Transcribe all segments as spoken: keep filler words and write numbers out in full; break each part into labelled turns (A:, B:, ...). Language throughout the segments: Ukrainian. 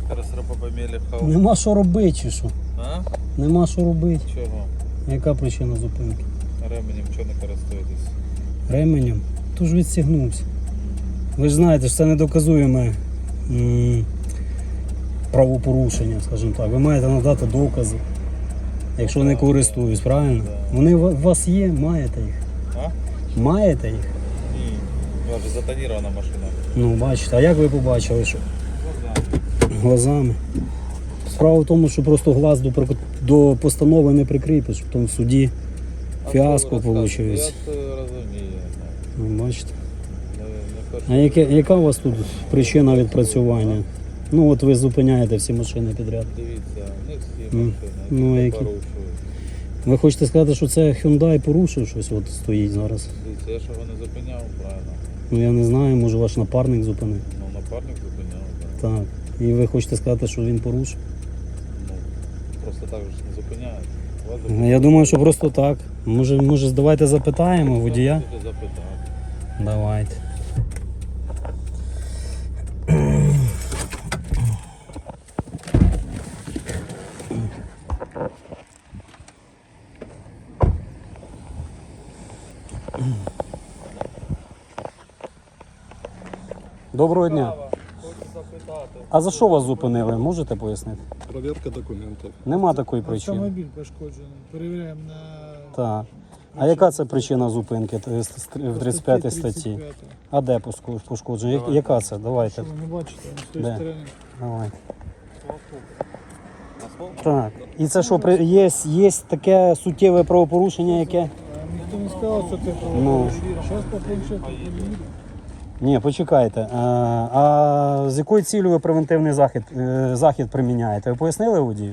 A: Нема що робити чи що?
B: А?
A: Нема що робити.
B: Чого?
A: Яка причина зупинки?
B: Ременем чого не користуєтесь?
A: Ременем? Тож відстігнувся. Ви ж знаєте, що це недоказуєме м, правопорушення, скажімо так. Ви маєте надати докази, якщо не користуюсь, правильно? Вони у вас є, маєте їх.
B: А?
A: Маєте їх?
B: Ні. У вас же затонірована машина.
A: Ну, бачите, а як ви побачили, що?
B: Глаза.
A: Глазами. Справа в тому, що просто глаз до, до постанови не прикріпиш, потім в суді фіаско виходить.
B: Я розумію.
A: Ну, бачите.
B: Не, не
A: А яке, яка у вас тут причина відпрацювання? Ну от ви зупиняєте всі машини підряд.
B: Дивіться, не всі
A: Ну,
B: машини,
A: ну, які?
B: порушують.
A: Ви хочете сказати, що це Hyundai порушив щось, от стоїть зараз?
B: Дивіться, я ж його не зупиняв, правильно.
A: Ну я не знаю, може ваш напарник зупинив.
B: Ну, напарник зупиняв, так.
A: Так. І ви хочете сказати, що він порушив?
B: Ну, просто так же ж не зупиняють. Вас
A: Ну,
B: зупиняють.
A: я думаю, що просто так. Може, може давайте запитаємо водія?
B: Можете запитати.
A: Давайте. Доброго дня.
B: Хочу запитати.
A: А за що вас зупинили? Можете пояснити?
C: Проверка документів.
A: Нема такої причини.
D: Автомобіль пошкоджений. Перевіряємо на
A: Так. А яка це причина зупинки в тридцять п'ятій статті? А де поску- пошкодження? Я- Яка це? Давайте.
D: Що ви не бачите, з тої
A: Де?
D: сторони.
A: Давайте.
B: Асфальт?
A: Так. І це що, при- є, є таке суттєве правопорушення, яке?
D: А ніхто не сказав, що це
A: Ну.
D: правопорушення. Зараз по планшету подивіться.
A: Ні, почекайте. А, а з якою цілею ви превентивний захід, е, захід приміняєте? Ви пояснили водію?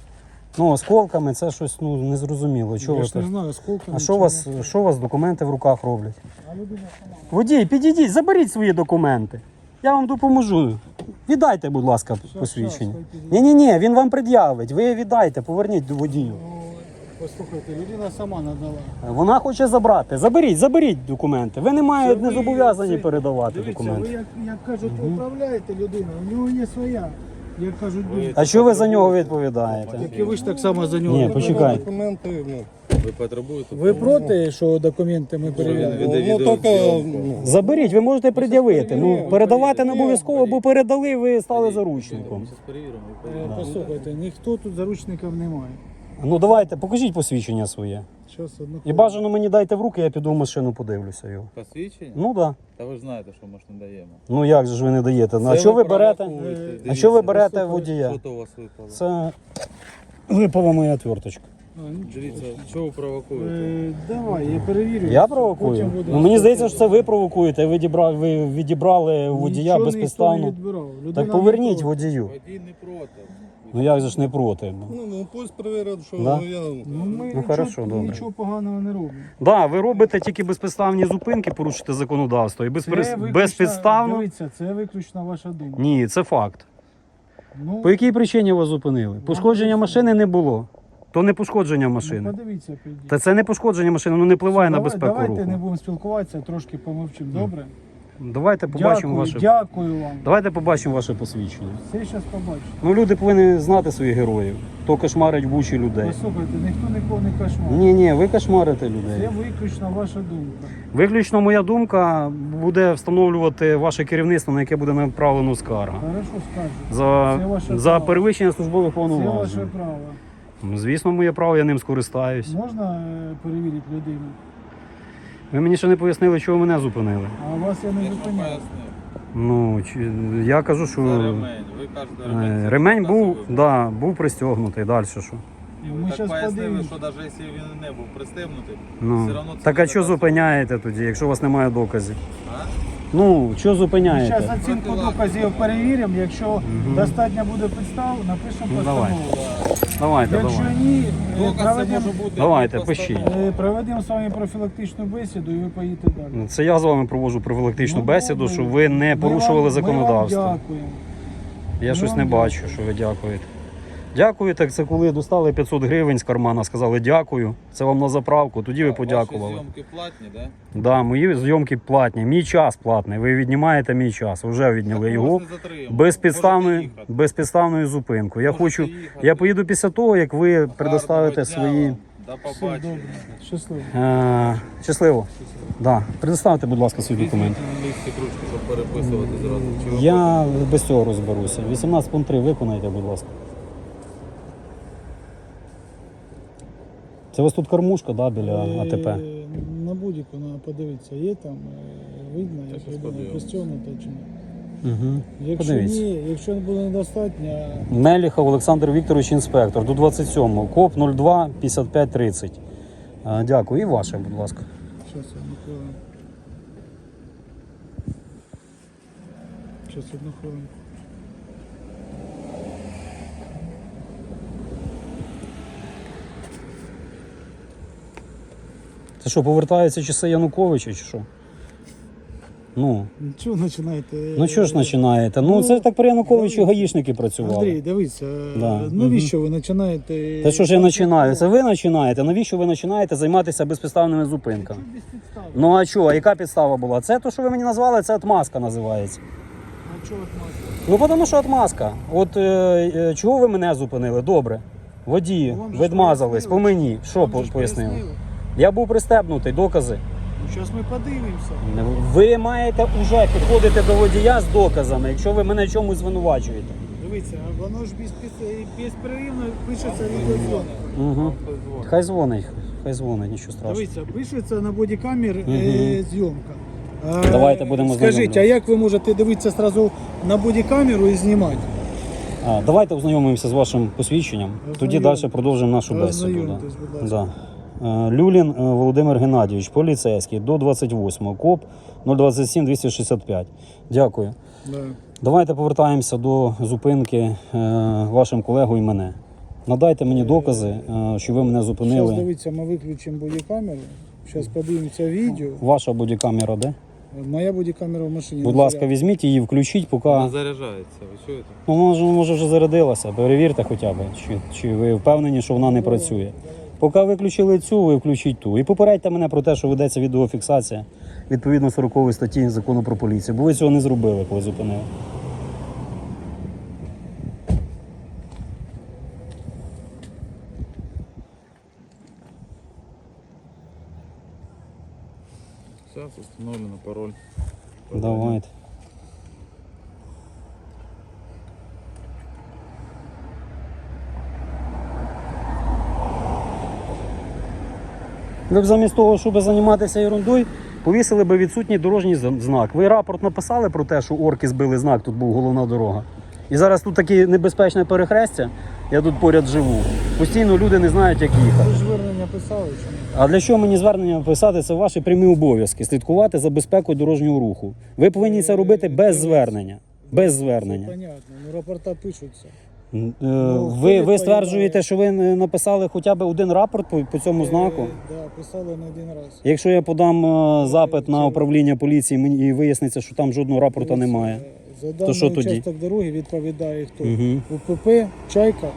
A: Ну, осколками це щось ну, незрозуміло. Чого
D: Я
A: ви
D: ж не
A: так?
D: знаю, скільки.
A: А що у вас, що у вас документи в руках роблять?
D: А людина сама.
A: Водій, підійдіть, заберіть свої документи. Я вам допоможу. Віддайте, будь ласка, посвідчення.
D: щас, хай підійде.
A: Ні-ні-ні, він вам пред'явить. Ви віддайте, поверніть до водію.
D: Ну, послухайте, людина сама надала.
A: Вона хоче забрати. Заберіть, заберіть документи. Ви не маєте, не
D: ви-
A: зобов'язані
D: це-
A: передавати
D: Дивіться,
A: документи.
D: ви як, як кажуть, управляєте людину, у нього є своя. Як кажуть,
B: Ви-
A: А що ви за нього відповідаєте?
D: як і ви ж так само за нього.
A: Ні, почекай.
C: Документи, ну,
B: Ви потребуєте?
D: Ви проти, що документи ми
B: Він
D: перевіряємо?
B: веде
C: ну, тільки,
B: відеозйомку.
C: ну,
A: Заберіть, ви можете пред'явити. Ну, передавати не обов'язково, бо передали, ви стали заручником.
B: Зараз перевіримо. ви
D: Е,
B: перевірите.
D: Послухайте, ніхто тут заручників немає.
A: Ну давайте, покажіть посвідчення своє.
D: Щас, одну
A: І бажано мені дайте в руки, я піду в машину, подивлюся його.
B: Посвідчення?
A: Ну так. Да.
B: Та ви ж знаєте, що ми ж не даємо.
A: Ну як же ж ви не даєте? Ну, а
B: Це
A: що ви берете?
B: провокуєте.
D: А
A: А
B: Дивіться,
A: що ви берете
D: послухайте,
A: водія?
B: Що то у вас випало?
A: Це випала моя отверточка.
D: А, нічого.
B: Дивіться, що ви провокуєте?
D: Е, Давай, я перевірю.
A: Я провокую?
D: Потім буде-
A: Ну мені здається, що це ви провокуєте. Ви відібрали, ви відібрали у водія
D: Нічого
A: безпідставно.
D: ніхто не відбирав. Людина
A: Так поверніть
D: не проти.
A: водію.
B: Водій не проти.
A: Ну як же ж не проти?
C: ну, ну, пусть перевірять, що
A: Да?
C: я...
D: Ну, ми нічого,
A: хорошо, добре.
D: нічого поганого не робимо.
A: Да, ви робите тільки безпідставні зупинки, порушите законодавство. І безпри-
D: виключно-
A: безпідставно.
D: Дивіться, це виключно ваша думка.
A: Ні, це факт.
D: Ну,
A: По якій причині вас зупинили? Пошкодження машини не було. То не пошкодження
D: ну,
A: машини.
D: подивіться, підійдіть.
A: Та це не пошкодження машини, воно не впливає на
D: Давай-
A: безпеку
D: Давайте не
A: руху.
D: будемо спілкуватися, трошки помовчимо, добре?
A: Давайте побачимо
D: Дякую,
A: ваше.
D: дякую вам.
A: Давайте побачимо ваше посвідчення.
D: Все зараз побачимо.
A: Ну люди повинні знати своїх героїв. То кошмарить в бучі людей.
D: Послухайте, ніхто нікого не кошмарить.
A: Ні, ні, ви кошмарите
D: Це
A: людей.
D: виключно ваша думка.
A: Виключно моя думка буде встановлювати ваше керівництво, на яке буде направлено скарга.
D: Хорошо скажу.
A: За,
D: Це ваше
A: за
D: право.
A: перевищення службових
D: Це ваше
A: повноважень.
D: право.
A: Ну, звісно, моє право, я ним скористаюсь.
D: Можна е, перевірити людину?
A: Ви мені ще не пояснили, чого мене зупинили.
D: А вас я не
B: Я ж вам
D: зупиняю.
B: пояснив.
A: Ну, чи- я кажу, що
B: Це ремень. Ви кажете,
A: е,
B: ремень.
A: ремень
B: Це
A: був,
B: засоби.
A: да, був пристегнутий. Далі що?
B: І
D: Ми
B: ви так
D: щас
B: пояснили,
D: подивимось.
B: що навіть якщо він не був пристебнутий,
A: Ну.
B: все одно це
A: Так а
B: не
A: що
B: доказує.
A: зупиняєте тоді, якщо у вас немає доказів?
B: А?
A: Ну, що
D: Зараз
A: зупиняєте?
D: оцінку доказів перевіримо. Якщо достатньо буде підстав, напишемо
A: Ну, давай.
D: постанову.
A: Давайте,
D: Якщо
A: давайте.
D: ні, е,
B: Доказ це
D: проведемо
B: може бути.
A: Давайте,
B: просто-
A: пишіть.
D: е, проведемо з вами профілактичну бесіду і ви поїдете далі.
A: Це я з вами проводжу профілактичну
D: Ну,
A: бесіду,
D: добре.
A: щоб ви не
D: Ми
A: порушували
D: вам-
A: законодавство.
D: Ми вам дякуємо.
A: Я
D: Ми
A: щось
D: вам
A: не
D: дякуємо.
A: бачу, що ви дякуєте. Дякую, так це коли достали п'ятсот гривень з кармана, сказали дякую, це вам на заправку, тоді ви подякували.
B: Ваші зйомки платні, так?
A: Да, мої зйомки платні, мій час платний, ви віднімаєте мій час, вже відняли його безпідставною, безпідставною зупинкою. Я хочу, я поїду після того, як ви предоставите свої...
B: До
D: Все
B: побачення.
D: добре. Щасливо.
A: Е, щасливо. Да. Предоставте, будь ласка, свої документи.
B: Візьміть на місці кружки, щоб переписувати зразу. Чи ви
A: Я без цього розберуся. вісімнадцять пункт три виконайте, будь ласка. Це у вас тут кормушка, да, біля АТП?
D: Е, На будь-яку треба подивитися, є там, е, видно,
B: Та
D: як
B: щас
D: людина
B: подивимось.
D: пристягнута чи ні.
A: Угу.
D: Якщо
A: Подивіться.
D: ні, якщо буде недостатньо,
A: Меліхов Олександр Вікторович, інспектор, до двадцять сьомого, КОП нуль два п'ятдесят п'ять тридцять. Е, Дякую. І ваше, будь ласка.
D: зараз одну хвилинку. Зараз одну хвилинку.
A: Це що, повертаються часи Януковича чи що? Ну,
D: Чого починаєте?
A: ну що ж починаєте? Ну, це ж так при Януковичу гаїшники працювали.
D: Андрій, дивіться,
A: Да.
D: навіщо ви починаєте?
A: Та що ж я починаю? Це ви починаєте? Навіщо ви починаєте займатися безпідставними зупинками?
D: Без підстав.
A: Ну а що, а яка підстава була? Це те, що ви мені назвали, це отмазка називається.
D: А чого ви маєте?
A: Ну, тому що отмазка. От е, е, чого ви мене зупинили? Добре. Водії,
D: Ну, вам же ж
A: відмазались, по
D: пояснили.
A: мені. Що
D: Вам
A: по-
D: же ж
A: пояснили?
D: пояснили.
A: Я був пристебнутий, докази.
D: Ну, зараз ми подивимося.
A: Ви маєте вже підходити до водія з доказами, якщо ви мене чомусь звинувачуєте.
D: Дивіться, воно ж без, без, безперервно пишеться відеозйомка.
A: Угу.
B: хтось дзвонить?
A: Хай дзвонить, хай дзвонить, нічого страшного.
D: Дивіться, пишеться на бодікамер
A: Мгм.
D: е, зйомка. А,
A: Давайте будемо
D: Скажіть,
A: знайомлювати.
D: а як ви можете дивитися одразу на бодікамеру і знімати?
A: А, давайте ознайомимося з вашим посвідченням, тоді
D: Ознайомтесь.
A: далі продовжимо нашу бесіду.
D: Ознайомтесь, будь ласка.
A: Да. Е, Люлін е, Володимир Геннадійович, поліцейський, до двадцять восьмого, КОП нуль двадцять сім двісті шістдесят п'ять. Дякую.
D: Да.
A: Давайте повертаємося до зупинки е, вашим колегою і мене. Надайте мені докази, е, що ви мене
D: Зараз
A: зупинили.
D: дивіться, ми виключимо бодікамеру. Зараз подивимося відео.
A: Ваша бодікамера, де?
D: Моя бодікамера в машині.
A: Будь
D: на
A: ласка,
D: зарядці.
A: візьміть її, включіть, поки...
B: Вона заряджається, ви чуєте?
A: Ну, може, може вже зарядилася, перевірте хоча б, чи, чи ви впевнені, що вона не працює. Поки виключили цю, ви включіть ту. І попередьте мене про те, що ведеться відеофіксація відповідно сорокової статті Закону про поліцію, бо ви цього не зробили, коли зупинили.
B: Зараз встановлено пароль.
A: Давайте. Ви б замість того, щоб займатися ерундою, повісили б відсутній дорожній зн- знак. Ви рапорт написали про те, що орки збили знак, тут був головна дорога. І зараз тут таке небезпечне перехрестя, я тут поряд живу. Постійно люди не знають, як їхати.
D: Ви ж звернення писали чи ні?
A: А для чого мені звернення писати? Це ваші прямі обов'язки слідкувати за безпекою дорожнього руху. Ви повинні це робити без звернення. Без
D: Це
A: звернення.
D: понятно, ну рапорта пишуться.
A: Е,
D: Ну, хто
A: Ви, ви
D: відповідає?
A: стверджуєте, що ви не написали хоча б один рапорт по, по цьому знаку?
D: Е, да, писали не один раз.
A: Якщо я подам е, запит на управління поліції мені- і виясниться, що там жодного рапорта
D: Дивіться,
A: немає.
D: е, За даний
A: що тоді?
D: участок дороги відповідає хто?
A: Мгм.
D: УПП, Чайка.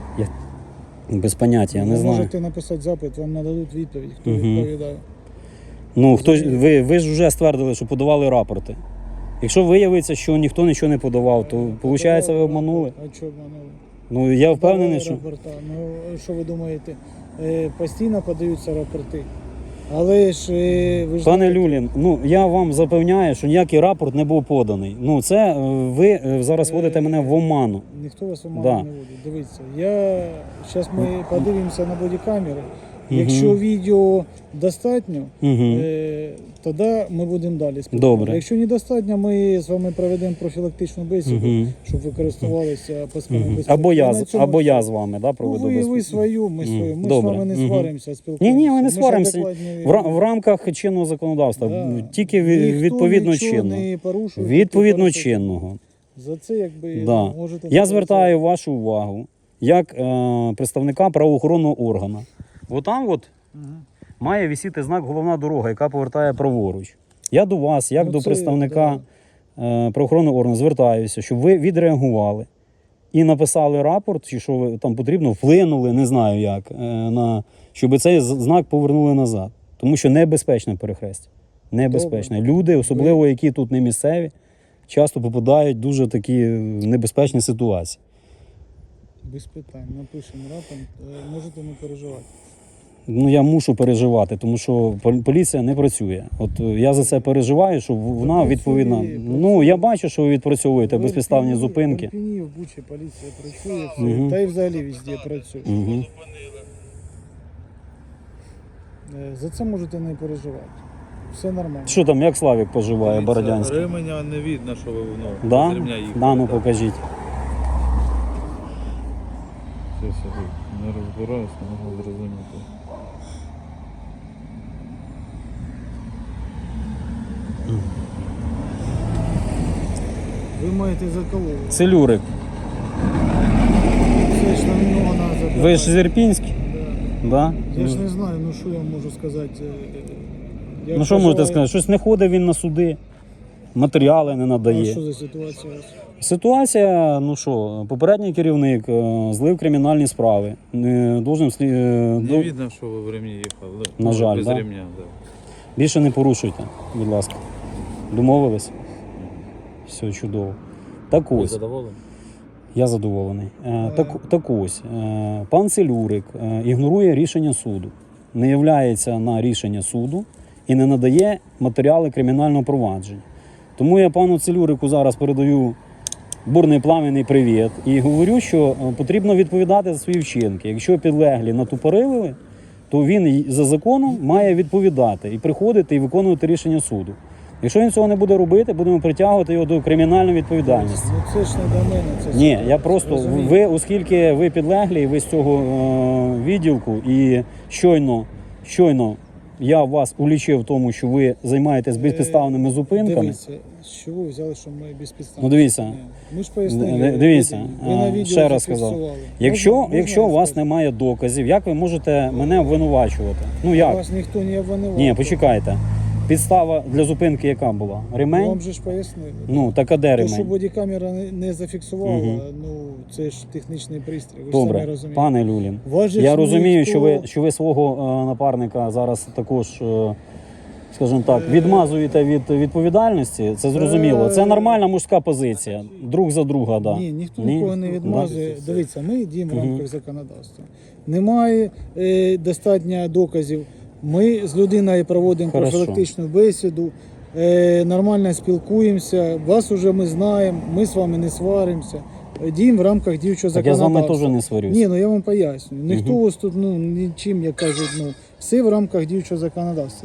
A: Без поняття, я не
D: Ви
A: знаю.
D: можете написати запит, вам нададуть відповідь, хто
A: Мгм.
D: відповідає.
A: Ну, хто ж- ви, ви ж вже ствердили, що подавали рапорти. Якщо виявиться, що ніхто нічого не подавав, то виходить, ви обманули.
D: А чого обманули?
A: Ну я впевнений,
D: Подавали
A: що.
D: рапорта. Ну, що ви думаєте, е, постійно подаються рапорти. Але ж е, ви ж
A: Пане
D: знаєте,
A: Люлін, ну я вам запевняю, що ніякий рапорт не був поданий. Ну це е, ви е, зараз вводите мене в оману.
D: ніхто вас оману
A: Да.
D: не водить. Дивіться, я зараз ми подивимося на бодікамери. Якщо відео достатньо,
A: Угу.
D: е, тоді ми будемо далі спілкуватися.
A: Добре.
D: Якщо недостатньо, ми з вами проведемо профілактичну бесіду,
A: Угу.
D: щоб ви користувалися пасками
A: Угу.
D: безпеки.
A: Або я
D: На
A: з-
D: цьому
A: або
D: все.
A: я з вами, да,
D: Ну,
A: проведу
D: ви, ви
A: безпеку.
D: свою, ми
A: Мгм.
D: свою. Ми
A: Добре.
D: з вами не
A: Мгм.
D: сваримося,
A: Ні,
D: спілкуємося.
A: ні, ми не
D: ж
A: сваримося.
D: адекватні
A: В, ра-
D: люди.
A: в рамках чинного законодавства,
D: Да.
A: тільки ві-
D: Ніхто
A: відповідно
D: нічого
A: чинного.
D: не порушує,
A: Відповідно
D: тільки порушує.
A: чинного.
D: За це якби
A: Да.
D: можете...
A: Я звертаю вашу увагу як е, представника правоохоронного органу. Бо там от
D: Мгм.
A: має висіти знак головна дорога, яка повертає праворуч. Я до вас, як
D: Ну,
A: до
D: це,
A: представника е, правоохоронного органу, звертаюся, щоб ви відреагували і написали рапорт, чи що ви- там потрібно, вплинули, не знаю як, е, на, щоб цей з- знак повернули назад. Тому що небезпечне перехрестя. Небезпечне. Люди, особливо які тут не місцеві, часто попадають в дуже такі небезпечні ситуації.
D: Без питань. Напишемо рапорт. Е, Можете не переживати.
A: Ну, я мушу переживати, тому що пол- поліція не працює. От е, я за це переживаю, що в- вона
D: працює,
A: відповідна.
D: працює.
A: Ну, я бачу, що ви відпрацьовуєте
D: В
A: безпідставні
D: Ірпені-
A: зупинки.
D: В Ірпені, в Бучі поліція працює, все.
A: Мгм.
D: Та й взагалі везде працює.
A: Угу.
D: Е, За це можете не переживати. Все нормально.
A: Що там, як Славік поживає,
B: Дивіться,
A: Бородянський?
B: Ременя не видно, що ви ну,
A: Да?
B: без ремня їхали.
A: Да, ну
B: так.
A: покажіть.
B: Щось я тут не розбираюся, не можу зрозуміти.
D: Ви маєте заколоти.
A: Целюрик.
D: Це ж на нього треба запитати.
A: Ви ж з Ірпінськ?
D: Да.
A: Да?
D: Я ж не знаю, ну що я можу сказати. е, як
A: Ну що можете
D: поживає-
A: сказати? Щось не ходить він на суди, матеріали не
D: А
A: надає.
D: що за ситуація у вас?
A: Ситуація, ну що, попередній керівник е, злив кримінальні справи. Не должен слі- е,
B: Не
A: до-
B: видно, що ви в ремні їхали.
A: На
B: Ну,
A: жаль,
B: без
A: да?
B: ремня, да.
A: Більше не порушуйте, будь ласка. Домовились? Все чудово. Так
B: Ви
A: ось,
B: задоволені?
A: я задоволений. Е, так, так ось, е, пан Целюрик е, ігнорує рішення суду, не являється на рішення суду і не надає матеріали кримінального провадження. Тому я пану Целюрику зараз передаю бурний пламенний привіт і говорю, що е, потрібно відповідати за свої вчинки. Якщо підлеглі натупорили, то він й- за законом має відповідати і приходити і виконувати рішення суду. Якщо він цього не буде робити, будемо притягувати його до кримінальної відповідальності.
D: Ну це ж не до мене. Це
A: Ні,
D: ситуація,
A: я просто
D: розумієте?
A: ви, оскільки ви підлеглі, ви з цього е, відділку, і щойно, щойно я вас улічив в тому, що ви займаєтесь безпідставними зупинками.
D: Дивіться, з чого ви взяли, що ми безпідставні?
A: Ну, дивіться.
D: Ми ж пояснили.
A: Д- дивіться,
D: ви на
A: а,
D: відео
A: ще раз сказав.
D: зафіксували.
A: Якщо,
D: Можна- можна
A: якщо у вас
D: розказати?
A: немає доказів, як ви можете мене обвинувачувати? Ну як?
D: Вас ніхто не обвинував.
A: Ні, почекайте. Підстава для зупинки яка була? Ремень?
D: Вам же ж пояснили.
A: Ну, так а де
D: То, що
A: ремень?
D: бодікамера не, не зафіксувала,
A: Мгм.
D: ну це ж технічний пристрій. Ви ж
A: Добре,
D: самі розумієте.
A: пане Люлін.
D: Вас же
A: Я
D: ж
A: розумію,
D: ніхто-
A: що ви, що ви свого е, напарника зараз також, е, скажімо так, відмазуєте від відповідальності. Це зрозуміло. Це нормальна мужська позиція. Друг за друга, да.
D: Ні, ніхто
A: Ні?
D: нікого не відмазує.
B: Да.
D: Дивіться, ми діємо в
A: Мгм.
D: рамках законодавства. Немає е, достатньо доказів. Ми з людиною проводимо
A: Хорошо.
D: профілактичну бесіду, е, нормально спілкуємося. Вас уже ми знаємо, ми з вами не сваримося. Е, Діємо в рамках діючого
A: Так я з
D: законодавства.
A: вами теж не сварюсь.
D: Ні, ну я вам пояснюю. Ніхто
A: Мгм.
D: вас тут ну, нічим, як кажуть, ну, все в рамках діючого законодавства.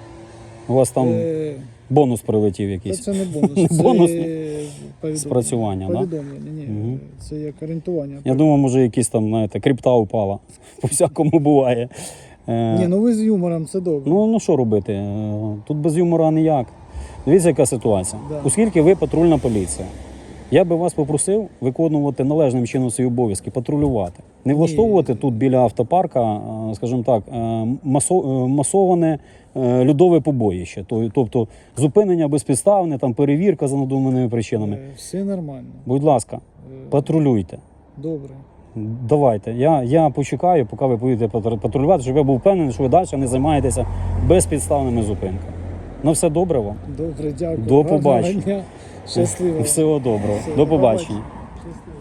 A: У вас там
D: Е,
A: бонус прилетів
D: Та
A: якийсь.
D: це не бонус,
A: Не
D: це
A: бонус,
D: повідомлення.
A: спрацювання, да?
D: Повідомлення, ні,
A: Мгм.
D: це як орієнтування.
A: Я думав, може, якісь там, знаєте, крипта упала. По всякому буває. Е,
D: Ні, ну ви з юмором, це добре.
A: Ну, ну що робити? Е, Тут без юмора ніяк. Дивіться, яка ситуація.
D: Да.
A: Оскільки ви патрульна поліція, я би вас попросив виконувати належним чином свої обов'язки, патрулювати. Не влаштовувати тут біля автопарка, е, скажімо так, е, масо- е, масоване е, льодове побоїще. То- Тобто зупинення безпідставне, там перевірка за надуманими причинами.
D: Е, Все нормально.
A: Будь ласка,
D: Е,
A: патрулюйте.
D: Добре.
A: Давайте. Я, я почекаю, поки ви поїдете патру- патрулювати, щоб я був впевнений, що ви далі не займаєтеся безпідставними зупинками. Ну все добре вам.
D: Добре, дякую.
A: До
D: Гарного
A: побачення.
D: дня. Щасливо.
A: Всього доброго.
D: Все,
A: До
D: до
A: побачення.
D: Щасливо.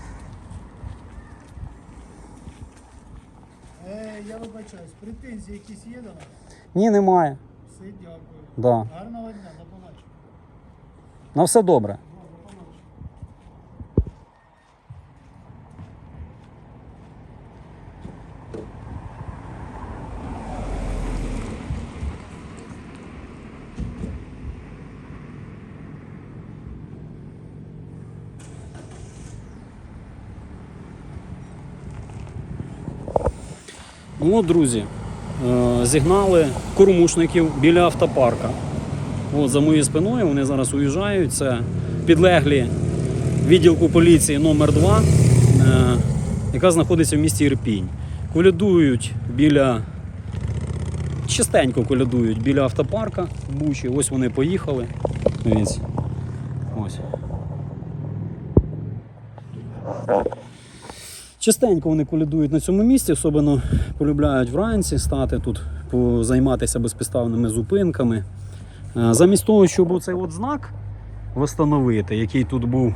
D: Е, я вибачаюсь, претензії якісь є до нас?
A: Ні, немає.
D: Все, дякую.
A: Да.
D: Гарного дня, до побачення.
A: На все добре. Ну от, друзі, е, зігнали кормушників біля автопарка. От за моєю спиною вони зараз уїжджають. Це підлеглі відділку поліції номер два, е, яка знаходиться в місті Ірпінь. Колядують біля, частенько колядують біля автопарка в Бучі. Ось вони поїхали. Дивіться. Ось. Частенько вони колядують на цьому місці, особливо полюбляють вранці стати тут, займатися безпідставними зупинками. Е, Замість того, щоб оцей от знак встановити, який тут був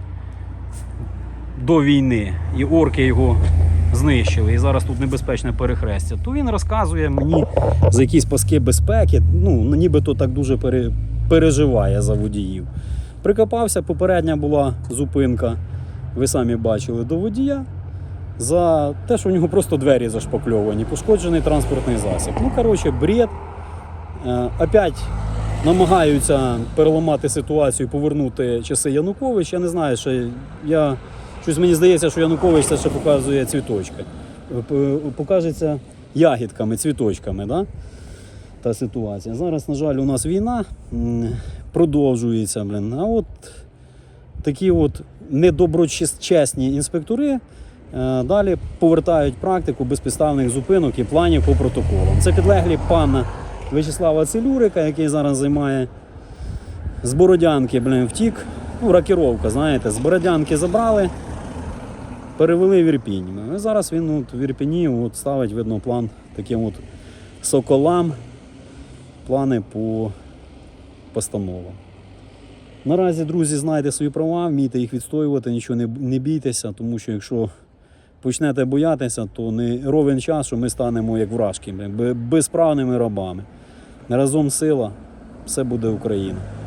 A: до війни, і орки його знищили, і зараз тут небезпечне перехрестя, то він розказує мені за якісь паски безпеки, ну, нібито так дуже пере, переживає за водіїв. Прикопався, попередня була зупинка, ви самі бачили, до водія, за те, що у нього просто двері зашпакльовані, пошкоджений транспортний засіб. Ну, коротше, бред. Е, опять намагаються переламати ситуацію, повернути часи Януковича. Я не знаю, що я... Щось мені здається, що Янукович це ще показує цвіточки. Покажеться ягідками, цвіточками, да? Та ситуація. Зараз, на жаль, у нас війна продовжується. Блин. А от такі от недоброчесні інспектори далі повертають практику безпідставних зупинок і планів по протоколам. Це підлеглі пана В'ячеслава Целюрика, який зараз займає з Бородянки, блин, втік. Ну, рокіровка, знаєте, з Бородянки забрали, перевели в Ірпінь. І зараз він от, в Ірпіні от, ставить, видно, план таким от соколам, плани по постановам. Наразі, друзі, знайте свої права, вмійте їх відстоювати, нічого не, не бійтеся, тому що якщо почнете боятися, то не ровен час, що ми станемо як вражки, безправними рабами. Разом сила, все буде Україна.